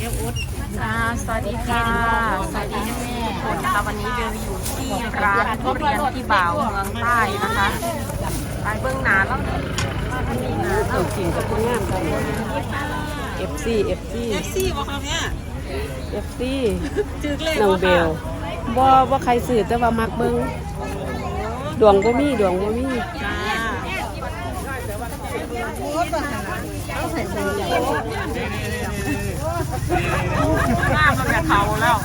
สวัสดีค่ะสวัสดีทุกคนนะคะวันนี้เบลอยู่ที่ร้านทุเรียนที่บ่าวเมืองใต้นะคะไปเบื้องหน้าแล้วนี่นะจริงกับคุณงามกัน FC ว่าเขาเนี่ย FC จืดเลยน้องเบลบ่ใครสื่อแต่ว่ามักเบิ่งดวงบ่มีจ้าหน้ามันจะเขาแล้ว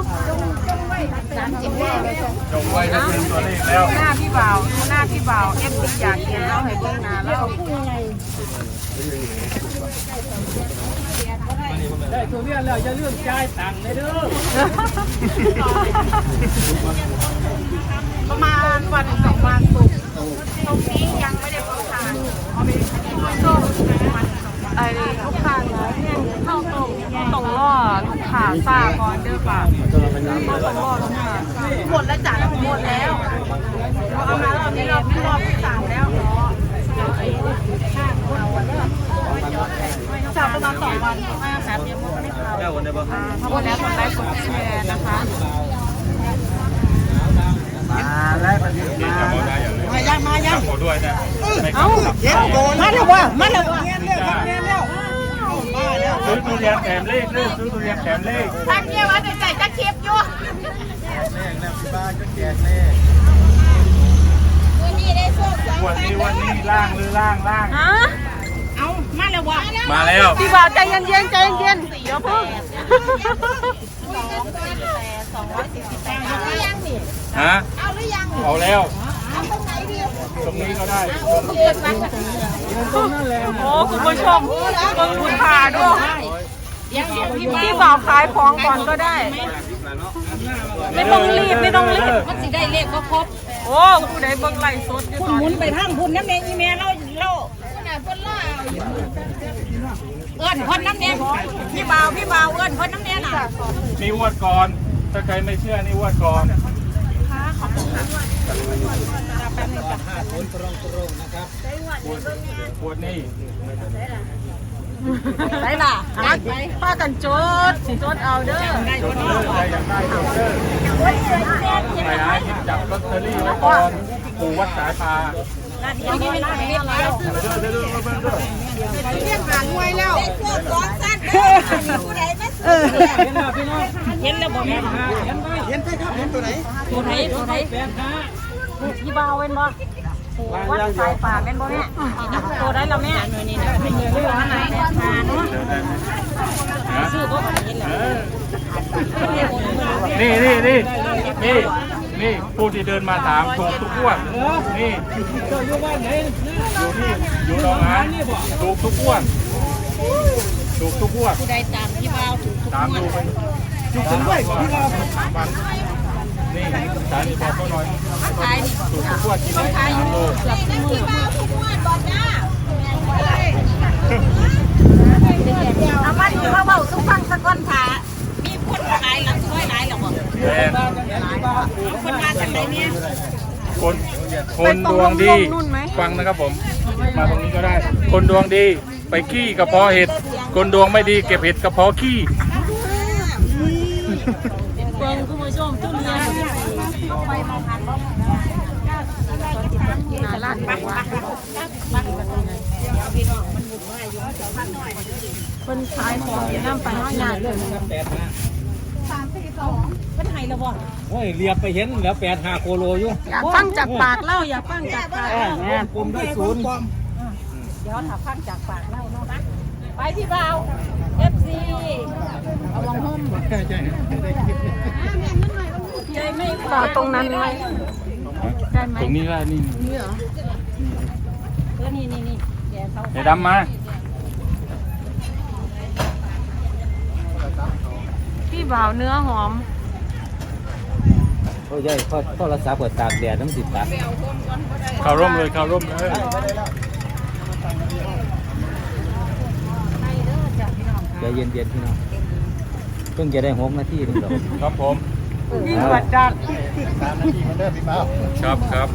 จงไว้ก็คือตัวเลขแล้วหน้าพี่บ่าวเอฟซีอยากเห็นแล้วให้เบื้องหน้าแล้วได้ตัวเรียนแล้วอย่าลืมจ่ายตังค์เลยเด้อประมาณวันสองวันศุกร์ตรงนี้ยังไม่ได้เปิดทางส้มไอ้ลูกค้าเข้าตรงล่อลูกค้าซ่าก่อนเด้อค่ะเข้าตรงล่อลูกค้าหมดแล้วจ้ะหมดแล้วเอามาเรานี้รอบที่สามแล้วจับประมาณ2 วันครับยังไม่ได้เข้าทั้งหมดแล้วกดไลค์กดแชร์นะคะแล้ววันนี้มายังขอด้วยนะเอ้ามาแล้ววะมาแล้ววะซื้อทุเรียนแถมเลขซื้อทุเรียนแถมเลขทักเนี่ยว่าจะจ่ายจะคลิปอยู่วันนี้ล่างหรือล่างฮะเอามาแล้ววะมาแล้วพี่บ่าวใจเย็นเดี๋ยวเพิ่งฮะเอาแล้วตรงนี้ก็ได้โอ้คุณผู้ชมเบิ่งคุณพาด้วยพี่บ่าวขายของก่อนก็ได้ไม่ต้องรีบมันสิได้เลขก็ครบโอ้ผู้ใดเบิ่งไลฟ์สดอยู่คุณตอนหมุนนี้ไปทางคุณน้ำแดงอีเมลเราเอื้อนคนน้ำแดงพี่บ่าวเอื้อนคนน้ำแดงน่ะนี่วดก่อนถ้าใครไม่เชื่อนี่วดก่อนปวดนี่ได้ล่ะป้ากันโจดเอาเด้อจดเลยใครอยากได้จดเลยไปหาหยิบจับลอตเตอรี่ไว้ก่อนปู่วัดสายปลาเดี๋ยวเรียกหางไว้แล้วเห็นแล้วบอกแม่เห็นใช่ครับเห็นตัวไหนพี่บ่าวเว้นบ่วัดสายป่าเป็นบ่แม่ตัวได้แล้วแม่นี่ตัวไหนซื้อบ่นี่ผู้ที่เดินมาถามถูกทุกงวดนี่อยู่บ้านไหนอยู่หนองหานถูกทุกงวดผู้ใดตามพี่บ่าวถูกทุกตามดูไปจุกถึงด้วยพี่บ่าวนี่สายนี่บอกเขาหน่อยถูกทุกงวดกินได้3 โลเอามาดูเขาเบาทุกฟังสักคนค่ะมีคนขายหลังช่วยหลายหรอบ่คนมาจากไหนเนี่ยคนดวงดีฟังนะครับผมมาตรงนี้ก็ได้ คนดวงดีไปขี้กระเพาะเห็ดคนดวงไม่ดีเก็บเห็ดกระเพาะขี้เบิ่งคุณผู้ชมทุเรียนหน้าร้านบอกว่าคนขายของอยู่น้ำไปห้อยงานเลยเป็นไห้ละบ่โอ้ยเรียบไปเห็นแล้ว8-5 โคโลอยู่อยากฟังจากปากเล่าอยากฟังจากปากเล่ากลมด้วย0 เดี๋ยวถ้าฟังจากปากเล่าเนาะนะไปพี่บ่าว FC เอาลองห่มใจไม่ต่อตรงนั้นไหมได้ไหมตรงนี้ได้นี่นี่เหรอนี่แกเขาเดี๋ยวดำมาพี่บ่าวเนื้อหอมโอ้ยโทรศัพท์เปิดตากแดดน้ำติดตาเข้าร่มเลยใจเย็นพี่น้องเพิ่งจะได้6 นาทีนึงหรอกครับผมวิ่งวัดจัดครับ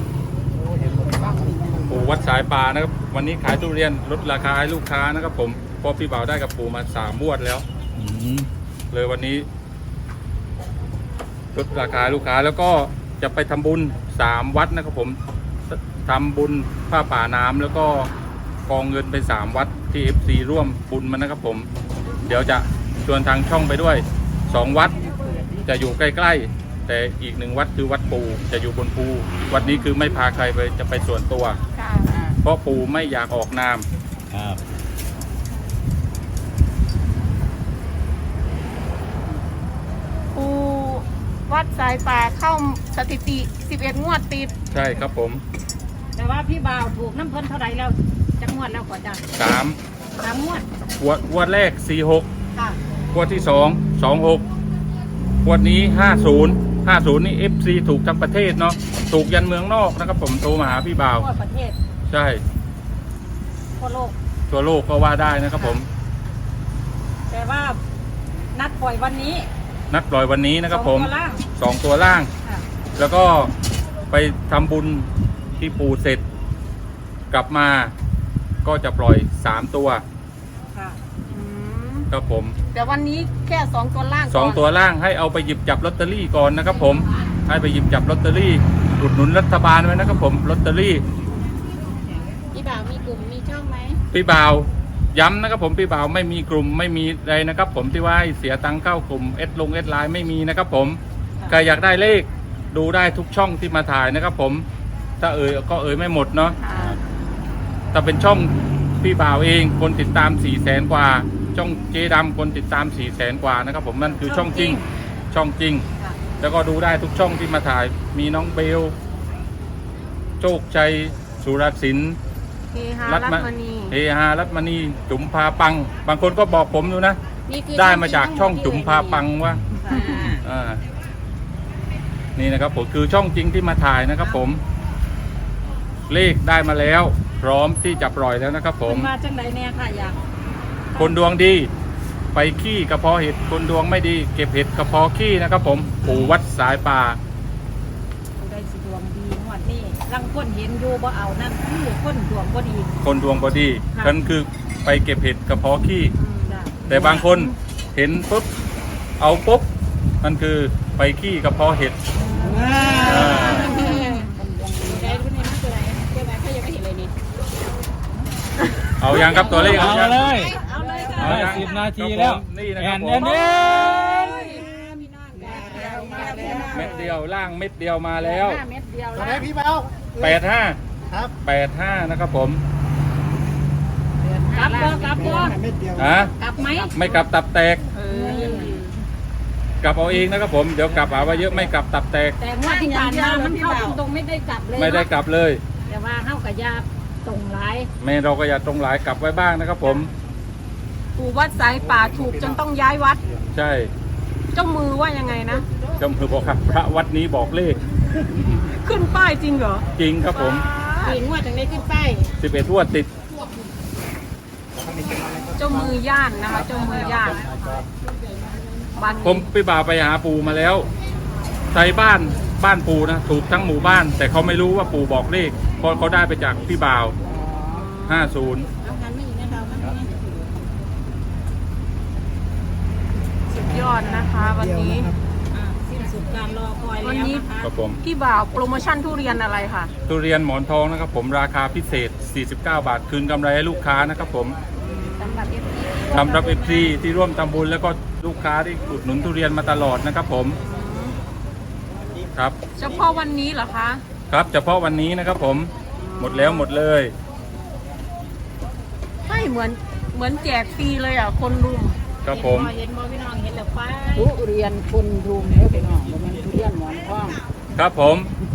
ปู่วัดสายป่านะครับวันนี้ขายทุเรียนลดราคาให้ลูกค้านะครับผมเพราะพี่บ่าวได้กับปู่มา3 งวดแล้วอืมเลยวันนี้ลดราคาลูกค้าแล้วก็จะไปทำบุญ3 วัดนะครับผมทำบุญผ้าป่าน้ำแล้วก็กองเงินไป3 วัดที่ FC ร่วมบุญมันนะครับผมเดี๋ยวจะชวนทางช่องไปด้วย2 วัดจะอยู่ใกล้ๆแต่อีก1 วัดคือวัดปู่จะอยู่บนภูวัดนี้คือไม่พาใครไปจะไปส่วนตัวค่ะเพราะปู่ไม่อยากออกนามครับปูวัดสายป่าเข้าสถิติ 11 งวดติดใช่ครับผมแต่ว่าพี่บ่าวถูกน้ำเพิ่นเท่าไหร่แล้วจังหวัดแล้วกว่าจ้ะ 3 3 งวดงวดแรก46 ค่ะงวดที่2 26งวดนี้50นี่ FC ถูกทั้งประเทศเนาะถูกยันเมืองนอกนะครับผมโทรมาหาพี่บ่าวทั่วประเทศใช่ทั่วโลกตัวโลกก็ว่าได้นะครับผมแต่ว่านัดปล่อยวันนี้นัดปล่อยวันนี้นะครับผมสองตัวล่าง 2 ตัวล่างค่ะแล้วก็ไปทำบุญที่ปู่เสร็จ กลับมาก็จะปล่อย3 ตัวค่ะอืมครับผมแต่วันนี้แค่ 2 ตัวล่างก่อน 2 ตัวล่างให้เอาไปหยิบจับลอตเตอรี่ก่อนนะครับผมให้ไปหยิบจับลอตเตอรี่อุดหนุนรัฐบาลไว้นะครับผมลอตเตอรี่พี่บ่าวมีกลุ่มมีช่องไหมพี่บ่าวย้ำนะครับผมพี่บ่าวไม่มีกลุ่มไม่มีอะไรนะครับผมที่ว่าให้เสียตังค์เข้ากลุ่มเอสไลน์ไม่มีนะครับผมใครอยากได้เลขดูได้ทุกช่องที่มาถ่ายนะครับผมถ้าก็ไม่หมดเนาะค่ะถ้าเป็นช่องพี่บ่าวเองคนติดตาม 400,000 กว่าช่องเจดำคนติดตาม 400,000 กว่านะครับผมนั่นคือช่องจริงช่องจริงค่ะแล้วก็ดูได้ทุกช่องที่มาถ่ายมีน้องเบลโชคชัยสุรศิลป์เฮฮารัตมณีเฮฮารัตมณีจุ๋มพาปัง บางคนก็บอกผมอยู่นะนี่คือได้มาจากช่องจุ๋มพาปังว่าค่ะนี่นะครับผมคือช่องจริงที่มาถ่ายนะครับผม เลขได้มาแล้ว พร้อมที่จะปล่อยแล้วนะครับผมเพิ่นมาจังไดแน่ค่ะอยากคนดวงดี ไปขี้กระเพาะเห็ดคนดวงไม่ดี เก็บเห็ดกระเพาะขี้นะครับผมปู่วัดสายป่าผู้ใดสิดวงดีงวดนี้ลังคนเห็นอยู่บ่เอานั่นคือคนดวงบ่ดีคนดวงบอดีค่ะนั่นคือไปเก็บเห็ดกระเพาะขี้จ้ะแต่บางคนเห็นปุ๊บเอาปุ๊บมันคือไปขี้กระเพาะเห็ดอ่าได้รุ่นนี้คืออะไรเจ้าแม่เขายังไม่เห็นเลยนี่เอายังครับตัวเลขเอายังเลยเอาเลยค่ะเอาเลย10 นาทีแล้วนี่นะแอครับนผแอนมแอนเม็ดเดียวล่างเม็ดเดียวมาแล้ว 5 เม็ดเดียวตอนแล้นี้วพี่เบา 85 ครับ 85นะครับผมกลับบ่กลับบ่เม็ดเดียวฮะกลับไหมไม่กลับตับแตกเออกลับเอาเองนะครับผมเดี๋ยวกลับเอาไว้เยอะไม่กลับตับแตกแต่งวดที่ผ่านมามันเข้าตรงๆไม่ได้กลับเลยไม่ได้กลับเลยแต่ว่าเข้ากับยาตรงหลายแม่เราก็อย่าตรงหลายกลับไว้บ้างนะครับผมปู่วัดสายป่าถูกจนต้องย้ายวัดใช่เจ้ามือว่ายังไงนะจำคือบอกครับพระวัดนี้บอกเลขขึ้นป้ายจริงเหรอจริงครับผมถึงว่าจังได้ขึ้นป้าย 11 งวดติดเจ้ามือย่านนะคะ เจ้ามือย่านบันผมพี่บ่าวไปหาปู่มาแล้วไทยบ้านปู่นะถูกทั้งหมู่บ้าน แต่เขาไม่รู้ว่าปู่บอกเลขเพราะเขาได้ไปจากพี่บ่าว 50 เอางานไม่อีกนะเรามันสุดยอดนะคะ วันนี้สิ้นสุดการรอคอยวันแล้วนี้นะคะครับผมพี่บ่าวโปรโมชั่นทุเรียนอะไรค่ะทุเรียนหมอนทองนะครับผมราคาพิเศษ 49 บาทคืนกำไรให้ลูกค้านะครับผมสำหรับ FC สำหรับ FC ที่ร่วมทำบุญแล้วก็ลูกค้าที่อุดหนุนทุเรียนมาตลอดนะครับผมครับเฉพาะวันนี้เหรอคะครับเฉพาะวันนี้นะครับผมหมดแล้วหมดเลยไม่เหมือนแจกฟรีเลยอ่ะ คนรุมครับผมเห็นบ่พี่น้องเห็นแล้วไปทุเรียนคนรุมแล้วพี่น้องมันทุเรียนหมอนทองครับผม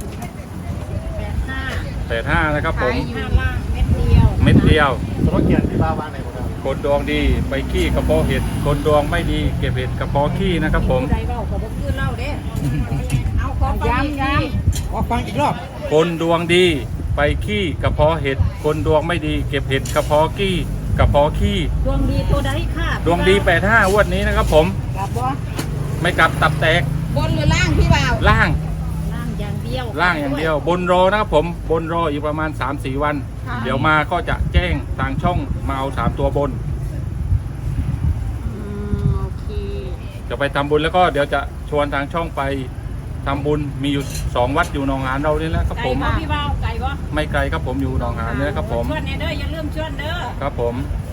85 85นะครับผม 5ล่างเม็ดเดียวเม็ดเดียวสมมติเกียรติพี่เบาวางไหนหมดครับคนดวงดีไปขี้กระเพาะเห็ดคนดวงไม่ดีเก็บเห็ดกระเพาะขี้นะครับผมผู้ใดเว้าก็บ่คือเล่าเด้เอาขอฟังย้ำขอฟังอีกรอบคนดวงดีไปขี้กระเพาะเห็ดคนดวงไม่ดีเก็บเห็ดกระเพาะขี้กระเพาะขี้ดวงดีตัวใดค่ะดวงดี85งวดนี้นะครับผมกลับบ่ไม่กลับตับแตกบนหรือล่างพี่บ่าวล่างล่างอย่างเดียวล่างอย่างเดียว บนรอนะครับผมบนรออีกประมาณ 3-4 วันค่ะเดี๋ยวมาก็จะแจ้งทางช่องมาเอา3 ตัวบนจะไปทำบุญแล้วก็เดี๋ยวจะชวนทางช่องไปทำบุญมีอยู่2 วัดอยู่หนองหานเรานี่แหละครับไก่ผมบ่พี่บ่าวไก่บ่ไม่ไกลครับผมอยู่หนองหานนี่แหละครับผมชวนเด้ออย่าลืมชวนเด้อครับผมเ